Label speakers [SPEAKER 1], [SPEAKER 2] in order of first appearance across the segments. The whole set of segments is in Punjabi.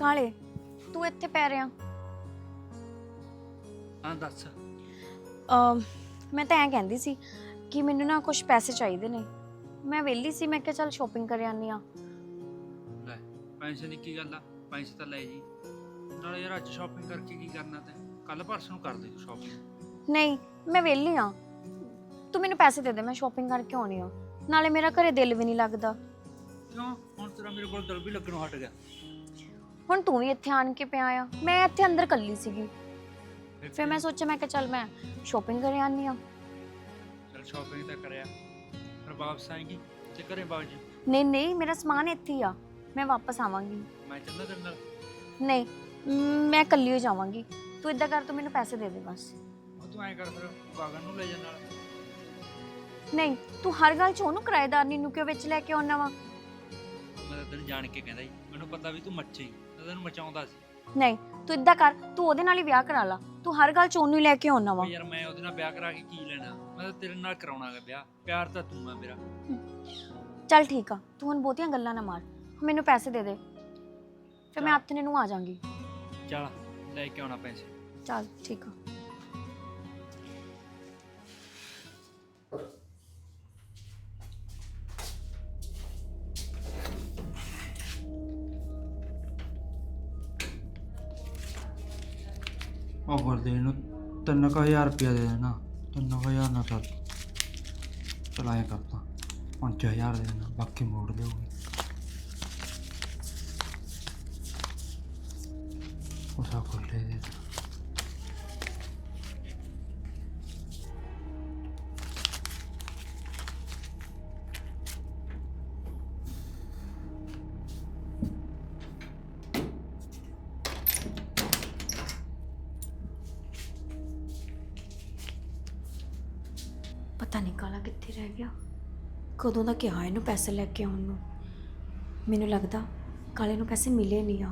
[SPEAKER 1] ਕਾਲੇ ਤੂੰ ਇੱਥੇ ਪੈ ਰਿਹਾ?
[SPEAKER 2] ਹਾਂ ਦੱਸ।
[SPEAKER 1] ਮੈਂ ਤਾਂ ਐਂ ਕਹਿੰਦੀ ਸੀ ਕਿ ਮੈਨੂੰ ਨਾ ਕੁਝ ਪੈਸੇ ਚਾਹੀਦੇ ਨੇ। ਮੈਂ ਵਿਹਲੀ ਸੀ, ਮੈਂ ਕਿਹਾ ਚੱਲ ਸ਼ਾਪਿੰਗ ਕਰ ਆਨੀ ਆ।
[SPEAKER 2] ਲੈ ਪੈਸੇ ਦੀ ਕੀ ਗੱਲ ਆ, ਪੈਸੇ ਤਾਂ ਲੈ ਜੀ। ਨਾਲੇ ਯਾਰ ਅੱਜ ਸ਼ਾਪਿੰਗ ਕਰਕੇ ਕੀ ਕਰਨਾ ਤੈਂ? ਕੱਲ ਪਰਸੋਂ ਨੂੰ ਕਰ ਦੇ ਸ਼ਾਪਿੰਗ।
[SPEAKER 1] ਨਹੀਂ, ਮੈਂ ਵਿਹਲੀ ਆ, ਤੂੰ ਮੈਨੂੰ ਪੈਸੇ ਦੇ ਦੇ, ਮੈਂ ਸ਼ਾਪਿੰਗ ਕਰਕੇ ਆਉਣੀ ਆ। ਨਾਲੇ ਮੇਰਾ ਘਰੇ ਦਿਲ ਵੀ ਨਹੀਂ ਲੱਗਦਾ।
[SPEAKER 2] ਕਿਉਂ? ਹੁਣ ਤੇਰਾ ਮੇਰੇ ਕੋਲ ਦਿਲ ਵੀ ਲੱਗਣੋਂ ਹਟ ਗਿਆ।
[SPEAKER 1] ਹੁਣ ਤੂੰ ਵੀ ਇੱਥੇ ਆਣ ਕੇ ਪਿਆ ਆ, ਮੈਂ ਇੱਥੇ ਅੰਦਰ ਇਕੱਲੀ ਸੀਗੀ। ਫਿਰ ਮੈਂ ਸੋਚਿਆ, ਮੈਂ ਕਿਹਾ ਚੱਲ ਮੈਂ ਸ਼ਾਪਿੰਗ ਕਰ ਆਨੀ ਆ।
[SPEAKER 2] ਚਲ ਸ਼ਾਪਿੰਗ ਤਾਂ ਕਰਿਆ, ਫਿਰ ਵਾਪਸ ਆਏਗੀ ਤੇ ਘਰੇ ਬਾਗ ਜੀ।
[SPEAKER 1] ਨਹੀਂ ਨਹੀਂ, ਮੇਰਾ ਸਮਾਨ ਇੱਥੇ ਹੀ ਆ, ਮੈਂ ਵਾਪਸ ਆਵਾਂਗੀ।
[SPEAKER 2] ਮੈਂ ਚੱਲਾਂ ਤੇਰੇ ਨਾਲ?
[SPEAKER 1] ਨਹੀਂ, ਮੈਂ ਇਕੱਲੀ ਹੋ ਜਾਵਾਂਗੀ। ਤੂੰ ਇਦਾਂ ਕਰ, ਤੂੰ ਮੈਨੂੰ ਪੈਸੇ ਦੇ ਦੇ ਬਸ।
[SPEAKER 2] ਉਹ ਤੂੰ ਐਂ ਕਰ, ਫਿਰ ਗਾਗਨ ਨੂੰ ਲੈ ਜਾ ਨਾਲ।
[SPEAKER 1] ਨਹੀਂ, ਤੂੰ ਹਰ ਗੱਲ 'ਚ ਉਹਨੂੰ ਕਿਰਾਏਦਾਰਨੀ ਨੂੰ ਕਿਉਂ ਵਿੱਚ ਲੈ ਕੇ ਆਉਣਾ ਵਾ?
[SPEAKER 2] ਮੈਂ ਤਾਂ ਤੈਨੂੰ ਜਾਣ ਕੇ ਕਹਿੰਦਾ ਸੀ, ਮੈਨੂੰ ਪਤਾ ਵੀ ਤੂੰ ਮੱਚੀ, ਮੈਂ ਤੈਨੂੰ ਮਚਾਉਂਦਾ ਸੀ।
[SPEAKER 1] ਨਹੀਂ, ਤੂੰ ਇਦਾਂ ਕਰ, ਤੂੰ ਉਹਦੇ ਨਾਲ ਹੀ ਵਿਆਹ ਕਰਾ ਲਾ। ਤੂੰ ਹਰ ਗੱਲ 'ਚ ਉਹਨੂੰ ਹੀ ਲੈ ਕੇ ਆਉਣਾ ਵਾ।
[SPEAKER 2] ਯਾਰ ਮੈਂ ਉਹਦੇ ਨਾਲ ਵਿਆਹ ਕਰਾ ਕੇ ਕੀ ਲੈਣਾ? ਮੈਂ ਤਾਂ ਤੇਰੇ ਨਾਲ ਕਰਾਉਣਾ ਹੈ ਵਿਆਹ। ਪਿਆਰ ਤਾਂ ਤੂੰ ਆ ਮੇਰਾ।
[SPEAKER 1] ਚੱਲ ਠੀਕ ਆ, ਤੂੰ ਹੁਣ ਬਹੁਤੀਆਂ ਗੱਲਾਂ ਨਾ ਮਾਰ, ਮੈਨੂੰ ਪੈਸੇ ਦੇ ਦੇ, ਫਿਰ ਮੈਂ ਹੱਥ ਨੇ ਨੂੰ ਆ ਜਾਵਾਂਗੀ।
[SPEAKER 2] ਚੱਲ ਲੈ ਕੇ ਆਉਣਾ ਪੈਸੇ।
[SPEAKER 1] ਚੱਲ ਠੀਕ ਆ।
[SPEAKER 2] ਉਹ ਬੋਲਦੇ ਇਹਨੂੰ 3000 ਰੁਪਇਆ ਦੇ ਦੇਣਾ। 3000 ਨਾ ਚੱਲ ਆਇਆ ਕਰਤਾ, 5000 ਦੇ ਦੇਣਾ, ਬਾਕੀ ਮੋੜ ਦੇਊਗੀ। ਉਸਾ ਖੋਲੇ ਦੇ
[SPEAKER 1] ਪਤਾ ਨਹੀਂ ਕਾਲਾ ਕਿੱਥੇ ਰਹਿ ਗਿਆ। ਕਦੋਂ ਦਾ ਕਿਹਾ ਇਹਨੂੰ ਪੈਸੇ ਲੈ ਕੇ ਆਉਣ ਨੂੰ। ਮੈਨੂੰ ਲੱਗਦਾ ਕਾਲੇ ਨੂੰ ਪੈਸੇ ਮਿਲੇ ਨਹੀਂ ਆ।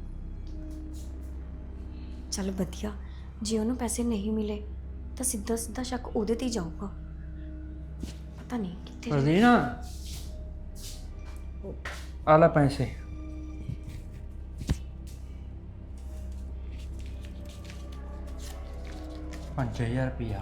[SPEAKER 1] ਚੱਲ ਵਧੀਆ, ਜੇ ਉਹਨੂੰ ਪੈਸੇ ਨਹੀਂ ਮਿਲੇ ਤਾਂ ਸਿੱਧਾ ਸਿੱਧਾ ਸ਼ੱਕ ਉਹਦੇ ਤੇ ਹੀ ਜਾਊਗਾ। ਪਤਾ ਨਹੀਂ ਕਿੱਥੇ ਰਹਿ
[SPEAKER 2] ਪ੍ਰਦੀਨਾ ਆ ਲੈ ਪੈਸੇ। ₹5000।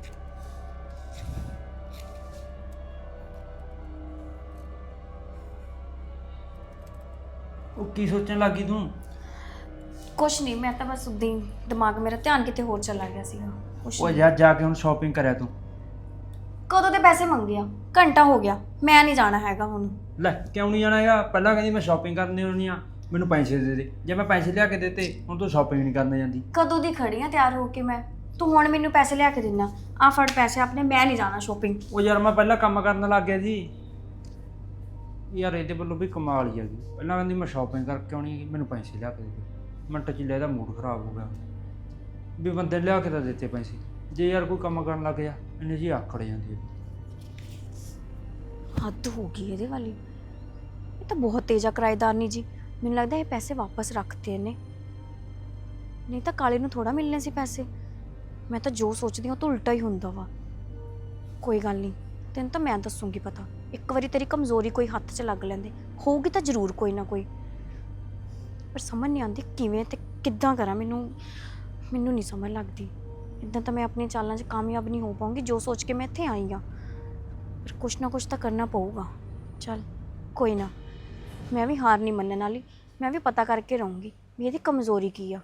[SPEAKER 2] ਉਹ ਕੀ ਸੋਚਣ ਲੱਗੀ ਤੂੰ?
[SPEAKER 1] ਕੁਛ ਨਹੀਂ, ਮੈਂ ਤਾਂ ਬਸ ਉਦਾਂ ਹੀ ਦਿਮਾਗ ਮੇਰਾ ਧਿਆਨ ਕਿਤੇ ਹੋਰ ਚਲਾ ਗਿਆ ਸੀਗਾ। ਕੁਛ
[SPEAKER 2] ਉਹ
[SPEAKER 1] ਨਹੀਂ।
[SPEAKER 2] ਯਾਰ ਜਾ ਕੇ ਹੁਣ ਸ਼ਾਪਿੰਗ ਕਰਿਆ ਤੂੰ?
[SPEAKER 1] ਕਦੋਂ ਦੇ ਪੈਸੇ ਮੰਗੇ ਆ? ਘੰਟਾ ਹੋ ਗਿਆ, ਮੈਂ ਨਹੀਂ ਜਾਣਾ ਹੈਗਾ ਹੁਣ।
[SPEAKER 2] ਲੈ ਕਿਉਂ ਨਹੀਂ ਜਾਣਾ ਹੈਗਾ? ਪਹਿਲਾਂ ਕਹਿੰਦੀ ਮੈਂ ਸ਼ਾਪਿੰਗ ਕਰਨੀ ਹੋਣੀ ਆ, ਮੈਨੂੰ ਪੈਸੇ ਦੇ ਦੇ। ਜੇ ਮੈਂ ਪੈਸੇ ਲਿਆ ਕੇ ਦਿੱਤੇ, ਹੁਣ ਤੂੰ ਸ਼ਾਪਿੰਗ ਨਹੀਂ ਕਰਨ ਜਾਂਦੀ।
[SPEAKER 1] ਕਦੋਂ ਦੀ ਖੜੀ ਆ ਤਿਆਰ ਹੋ ਕੇ ਮੈਂ, ਤੂੰ ਹੁਣ ਮੈਨੂੰ ਪੈਸੇ ਲਿਆ ਕੇ ਦਿੰਦਾ। ਆ ਫੜ ਪੈਸੇ ਆਪਣੇ, ਮੈਂ ਨਹੀਂ ਜਾਣਾ ਸ਼ਾਪਿੰਗ।
[SPEAKER 2] ਉਹ ਯਾਰ ਮੈਂ ਪਹਿਲਾਂ ਕੰਮ ਕਰਨ ਲੱਗ ਗਿਆ ਜੀ। ਯਾਰ ਇਹਦੇ ਵੱਲੋਂ ਵੀ ਕਮਾਲ ਹੀ ਹੈਗੀ। ਪਹਿਲਾਂ ਕਹਿੰਦੀ ਮੈਂ ਸ਼ਾਪਿੰਗ ਕਰਕੇ ਆਉਣੀ ਹੈਗੀ, ਮੈਨੂੰ ਪੈਸੇ ਲਿਆ ਕੇ ਦੇ ਦੇ। ਮਿੰਟ 'ਚ ਲੈ ਇਹਦਾ ਮੂਡ ਖਰਾਬ ਹੋ ਗਿਆ ਵੀ ਬੰਦੇ ਲਿਆ ਕੇ ਤਾਂ ਦਿੱਤੇ ਪੈਸੇ। ਜੇ ਯਾਰ ਕੋਈ ਕੰਮ ਕਰਨ ਲੱਗ ਜਾ, ਇਹਨੇ ਜੀ ਆਖੜ ਜਾਂਦੀ ਹੈ।
[SPEAKER 1] ਹੱਦ ਹੋ ਗਈ ਇਹਦੇ ਵਾਲੀ। ਇਹ ਤਾਂ ਬਹੁਤ ਤੇਜ਼ ਆ ਕਿਰਾਏਦਾਰਨੀ ਜੀ। ਮੈਨੂੰ ਲੱਗਦਾ ਇਹ ਪੈਸੇ ਵਾਪਸ ਰੱਖਤੇ ਇਹਨੇ, ਨਹੀਂ ਤਾਂ ਕਾਲੇ ਨੂੰ ਥੋੜਾ ਮਿਲਣੇ ਸੀ ਪੈਸੇ। ਮੈਂ ਤਾਂ ਜੋ ਸੋਚਦੀ ਹਾਂ ਉਹ ਤਾਂ ਉਲਟਾ ਹੀ ਹੁੰਦਾ ਵਾ। ਕੋਈ ਗੱਲ ਨਹੀਂ, ਤੈਨੂੰ ਤਾਂ ਮੈਂ ਦੱਸੂਗੀ ਪਤਾ। ਇੱਕ ਵਾਰੀ ਤੇਰੀ ਕਮਜ਼ੋਰੀ ਕੋਈ ਹੱਥ 'ਚ ਲੱਗ ਲੈਂਦੇ ਹੋਊਗੀ ਤਾਂ ਜ਼ਰੂਰ ਕੋਈ ਨਾ ਕੋਈ। ਪਰ ਸਮਝ ਨਹੀਂ ਆਉਂਦੀ ਕਿਵੇਂ ਤੇ ਕਿੱਦਾਂ ਕਰਾਂ। ਮੈਨੂੰ ਨਹੀਂ ਸਮਝ ਲੱਗਦੀ। ਇੱਦਾਂ ਤਾਂ ਮੈਂ ਆਪਣੀਆਂ ਚਾਲਾਂ 'ਚ ਕਾਮਯਾਬ ਨਹੀਂ ਹੋ ਪਾਉਂਗੀ, ਜੋ ਸੋਚ ਕੇ ਮੈਂ ਇੱਥੇ ਆਈ ਹਾਂ। ਪਰ ਕੁਛ ਨਾ ਕੁਛ ਤਾਂ ਕਰਨਾ ਪਊਗਾ। ਚੱਲ ਕੋਈ ਨਾ, ਮੈਂ ਵੀ ਹਾਰ ਨਹੀਂ ਮੰਨਣ ਵਾਲੀ। ਮੈਂ ਵੀ ਪਤਾ ਕਰਕੇ ਰਹੂੰਗੀ ਵੀ ਇਹਦੀ ਕਮਜ਼ੋਰੀ ਕੀ ਆ।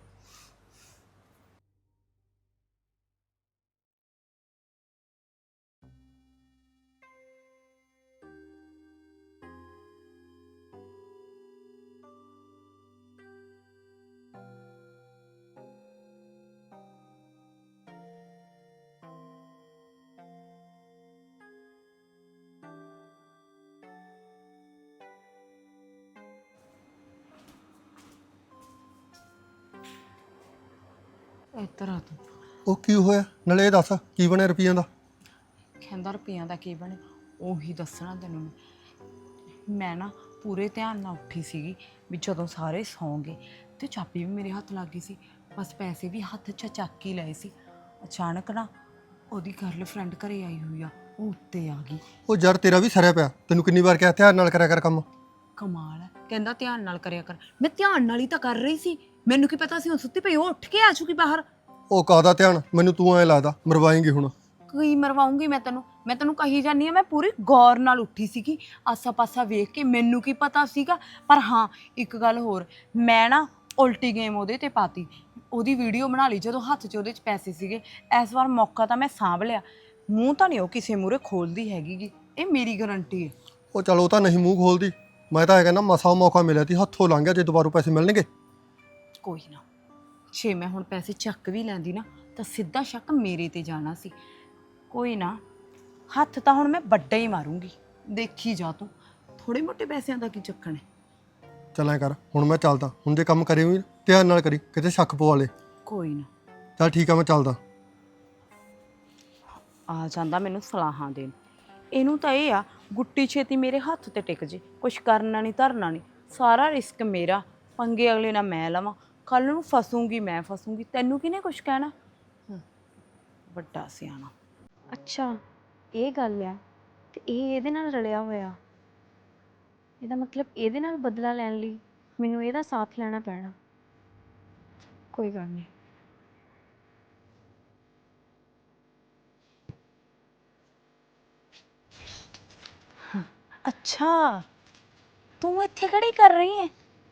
[SPEAKER 3] ਇੱਧਰ ਆ ਤੂੰ।
[SPEAKER 4] ਉਹ ਕੀ ਹੋਇਆ? ਨਾਲੇ ਇਹ ਦੱਸ ਕੀ ਬਣਿਆ ਰੁਪਈਆਂ ਦਾ?
[SPEAKER 3] ਕਹਿੰਦਾ ਰੁਪਈਆਂ ਦਾ ਕੀ ਬਣੇ, ਉਹੀ ਦੱਸਣਾ ਤੈਨੂੰ ਮੈਂ ਨਾ ਪੂਰੇ ਧਿਆਨ ਨਾਲ ਉੱਠੀ ਸੀਗੀ ਵੀ ਜਦੋਂ ਸਾਰੇ ਸੌਂ ਗਏ ਤੇ ਚਾਬੀ ਵੀ ਮੇਰੇ ਹੱਥ ਲੱਗ ਗਈ ਸੀ। ਬਸ ਪੈਸੇ ਵੀ ਹੱਥ 'ਚ ਚੱਕ ਹੀ ਲਏ ਸੀ। ਅਚਾਨਕ ਨਾ ਉਹਦੀ ਗਰਲਫ੍ਰੈਂਡ ਘਰੇ ਆਈ ਹੋਈ ਆ, ਉਹ ਉੱਤੇ ਆ ਗਈ।
[SPEAKER 4] ਉਹ ਯਾਰ ਤੇਰਾ ਵੀ ਸਰਿਆ ਪਿਆ। ਤੈਨੂੰ ਕਿੰਨੀ ਵਾਰ ਕਿਹਾ ਧਿਆਨ ਨਾਲ ਕਰਿਆ ਕਰ ਕੰਮ।
[SPEAKER 3] ਕਮਾਲ ਹੈ, ਕਹਿੰਦਾ ਧਿਆਨ ਨਾਲ ਕਰਿਆ ਕਰ। ਮੈਂ ਧਿਆਨ ਨਾਲ ਹੀ ਤਾਂ ਕਰ ਰਹੀ ਸੀ, ਮੈਨੂੰ ਕੀ ਪਤਾ ਸੀ ਹੁਣ ਸੁੱਤੀ ਪਈ ਉਹ ਉੱਠ ਕੇ ਆ ਚੁੱਕੀ ਬਾਹਰ।
[SPEAKER 4] ਉਹ ਕਾਹਦਾ ਧਿਆਨ, ਮੈਨੂੰ ਤੂੰ ਐ ਲੱਗਦਾ ਮਰਵਾਏਂਗੀ ਹੁਣ।
[SPEAKER 3] ਕੀ ਮਰਵਾਉਂਗੀ ਮੈਂ ਤੈਨੂੰ ਕਹੀ ਜਾਨੀ ਆ, ਮੈਂ ਪੂਰੀ ਗੌਰ ਨਾਲ ਉੱਠੀ ਸੀਗੀ, ਆਸਾ ਪਾਸਾ ਵੇਖ ਕੇ। ਮੈਨੂੰ ਕੀ ਪਤਾ ਸੀਗਾ। ਪਰ ਹਾਂ ਇੱਕ ਗੱਲ ਹੋਰ, ਮੈਂ ਨਾ ਉਲਟੀ ਗੇਮ ਉਹਦੇ ਤੇ ਪਾਤੀ, ਉਹਦੀ ਵੀਡੀਓ ਬਣਾ ਲਈ ਜਦੋਂ ਹੱਥ 'ਚ ਉਹਦੇ 'ਚ ਪੈਸੇ ਸੀਗੇ। ਇਸ ਵਾਰ ਮੌਕਾ ਤਾਂ ਮੈਂ ਸਾਂਭ ਲਿਆ, ਮੂੰਹ ਤਾਂ ਨਹੀਂ ਉਹ ਕਿਸੇ ਮੂਹਰੇ ਖੋਲਦੀ ਹੈਗੀ, ਇਹ ਮੇਰੀ ਗਾਰੰਟੀ ਹੈ।
[SPEAKER 4] ਉਹ ਚਲ ਉਹ ਤਾਂ ਨਹੀਂ ਮੂੰਹ ਖੋਲਦੀ, ਮੈਂ ਤਾਂ ਇਹ ਕਹਿੰਦਾ ਮਸਾ ਮੌਕਾ ਮਿਲਿਆ ਤੀ, ਹੱਥੋਂ ਲੰਘ ਗਿਆ, ਜੇ ਦੁਬਾਰਾ ਪੈਸੇ ਮਿਲਣਗੇ।
[SPEAKER 3] ਕੋਈ ਨਾ, ਜੇ ਮੈਂ ਹੁਣ ਪੈਸੇ ਚੱਕ ਵੀ ਲੈਂਦੀ ਨਾ ਤਾਂ ਸਿੱਧਾ ਸ਼ੱਕ ਮੇਰੇ ਤੇ ਜਾਣਾ ਸੀ। ਕੋਈ ਨਾ, ਹੱਥ ਤਾਂ ਹੁਣ ਮੈਂ ਵੱਡਾ ਹੀ ਮਾਰੂੰਗੀ, ਦੇਖੀ ਜਾ ਤੂੰ। ਥੋੜੇ ਮੋਟੇ ਪੈਸਿਆਂ ਦਾ ਕੀ ਚੱਕਣ ਹੈ।
[SPEAKER 4] ਚੱਲ ਐ ਕਰ, ਹੁਣ ਮੈਂ ਚੱਲਦਾ। ਹੁਣ ਜੇ ਕੰਮ ਕਰੇ ਵੀ ਧਿਆਨ ਨਾਲ ਕਰੀ, ਕਿਤੇ ਸ਼ੱਕ ਪਵਾ ਲੇ।
[SPEAKER 3] ਕੋਈ ਨਾ,
[SPEAKER 4] ਚੱਲ ਠੀਕ ਆ, ਮੈਂ ਚੱਲਦਾ।
[SPEAKER 3] ਆ ਜਾਂਦਾ ਮੈਨੂੰ ਸਲਾਹਾਂ ਦੇਣ। ਇਹਨੂੰ ਤਾਂ ਇਹ ਆ ਗੁੱਟੀ ਛੇਤੀ ਮੇਰੇ ਹੱਥ ਤੇ ਟਿਕ ਜੇ, ਕੁਛ ਕਰਨਾ ਨਹੀਂ ਧਰਨਾ ਨਹੀਂ, ਸਾਰਾ ਰਿਸਕ ਮੇਰਾ, ਪੰਗੇ ਅਗਲੇ ਨਾਲ ਮੈਂ ਲਵਾਂ, ਕੱਲ ਨੂੰ ਫਸੂੰਗੀ ਮੈਂ ਫਸੂੰਗੀ, ਤੈਨੂੰ ਕਿਹਨੇ ਕੁਛ ਕਹਿਣਾ। ਵੱਡਾ ਸਿਆਣਾ।
[SPEAKER 1] ਅੱਛਾ ਇਹ ਗੱਲ ਆ, ਤੇ ਇਹ ਇਹਦੇ ਨਾਲ ਰਲਿਆ ਹੋਇਆ। ਇਹਦਾ ਮਤਲਬ ਇਹਦੇ ਨਾਲ ਬਦਲਾ ਲੈਣ ਲਈ ਮੈਨੂੰ ਇਹਦਾ ਸਾਥ ਲੈਣਾ ਪੈਣਾ। ਕੋਈ ਗੱਲ ਨਹੀਂ।
[SPEAKER 3] ਅੱਛਾ, ਤੂੰ ਇੱਥੇ ਖੜੀ ਕਰ ਰਹੀ ਹੈ?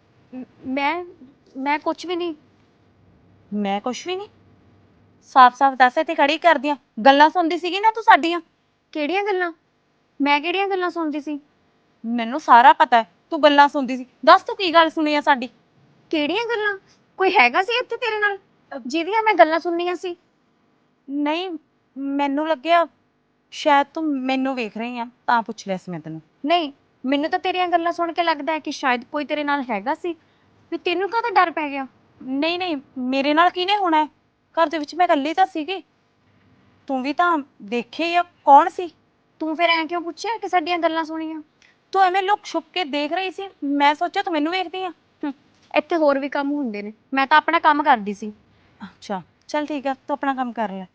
[SPEAKER 1] ਮੈਂ ਕੁਝ ਵੀ ਨਹੀਂ।
[SPEAKER 3] ਮੈਂ ਕੁਛ ਵੀ ਨਹੀਂ? ਸਾਫ਼-ਸਾਫ਼ ਦੱਸ, ਇੱਥੇ ਖੜੀ ਕਰਦੀਆਂ ਗੱਲਾਂ ਸੁਣਦੀ ਸੀਗੀ ਨਾ ਤੂੰ ਸਾਡੀਆਂ?
[SPEAKER 1] ਕਿਹੜੀਆਂ ਗੱਲਾਂ? ਮੈਂ ਕਿਹੜੀਆਂ ਗੱਲਾਂ ਸੁਣਦੀ ਸੀ?
[SPEAKER 3] ਮੈਨੂੰ ਸਾਰਾ ਪਤਾ ਹੈ, ਤੂੰ ਗੱਲਾਂ ਸੁਣਦੀ ਸੀ। ਦੱਸ ਤੂੰ ਕੀ ਗੱਲ ਸੁਣੀ ਆ ਸਾਡੀ?
[SPEAKER 1] ਕਿਹੜੀਆਂ ਗੱਲਾਂ? ਕੋਈ ਹੈਗਾ ਸੀ ਇੱਥੇ ਤੇਰੇ ਨਾਲ ਜਿਹਦੀਆਂ ਮੈਂ ਗੱਲਾਂ ਸੁਣਨੀਆਂ ਸੀ?
[SPEAKER 3] ਨਹੀਂ, ਮੈਨੂੰ ਲੱਗਿਆ ਸ਼ਾਇਦ ਤੂੰ ਮੈਨੂੰ ਵੇਖ ਰਹੀ ਆ, ਤਾਂ ਪੁੱਛ ਲਿਆ ਸੀ ਮੈਂ ਤੈਨੂੰ।
[SPEAKER 1] ਨਹੀਂ, ਮੈਨੂੰ ਤਾਂ ਤੇਰੀਆਂ ਗੱਲਾਂ ਸੁਣ ਕੇ ਲੱਗਦਾ ਹੈ ਕਿ ਸ਼ਾਇਦ ਕੋਈ ਤੇਰੇ ਨਾਲ ਹੈਗਾ ਸੀ। ਵੀ ਤੈਨੂੰ ਕਾਹਦਾ ਡਰ ਪੈ ਗਿਆ?
[SPEAKER 3] ਨਹੀਂ ਨਹੀਂ, ਮੇਰੇ ਨਾਲ ਕਿਹਨੇ ਹੋਣਾ ਹੈ? ਘਰ ਦੇ ਵਿੱਚ ਮੈਂ ਇਕੱਲੀ ਤਾਂ ਸੀਗੀ, ਤੂੰ ਵੀ ਤਾਂ ਦੇਖੇ ਆ ਕੌਣ ਸੀ।
[SPEAKER 1] ਤੂੰ ਫਿਰ ਐਂ ਕਿਉਂ ਪੁੱਛਿਆ ਕਿ ਸਾਡੀਆਂ ਗੱਲਾਂ ਸੁਣੀਆਂ?
[SPEAKER 3] ਤੂੰ ਐਵੇਂ ਲੁਕ ਛੁਪ ਕੇ ਦੇਖ ਰਹੀ ਸੀ, ਮੈਂ ਸੋਚਿਆ ਤੂੰ ਮੈਨੂੰ ਵੇਖਦੀ ਆ।
[SPEAKER 1] ਇੱਥੇ ਹੋਰ ਵੀ ਕੰਮ ਹੁੰਦੇ ਨੇ, ਮੈਂ ਤਾਂ ਆਪਣਾ ਕੰਮ ਕਰਦੀ ਸੀ।
[SPEAKER 3] ਅੱਛਾ ਚੱਲ ਠੀਕ ਆ, ਤੂੰ ਆਪਣਾ ਕੰਮ ਕਰ ਲੈ।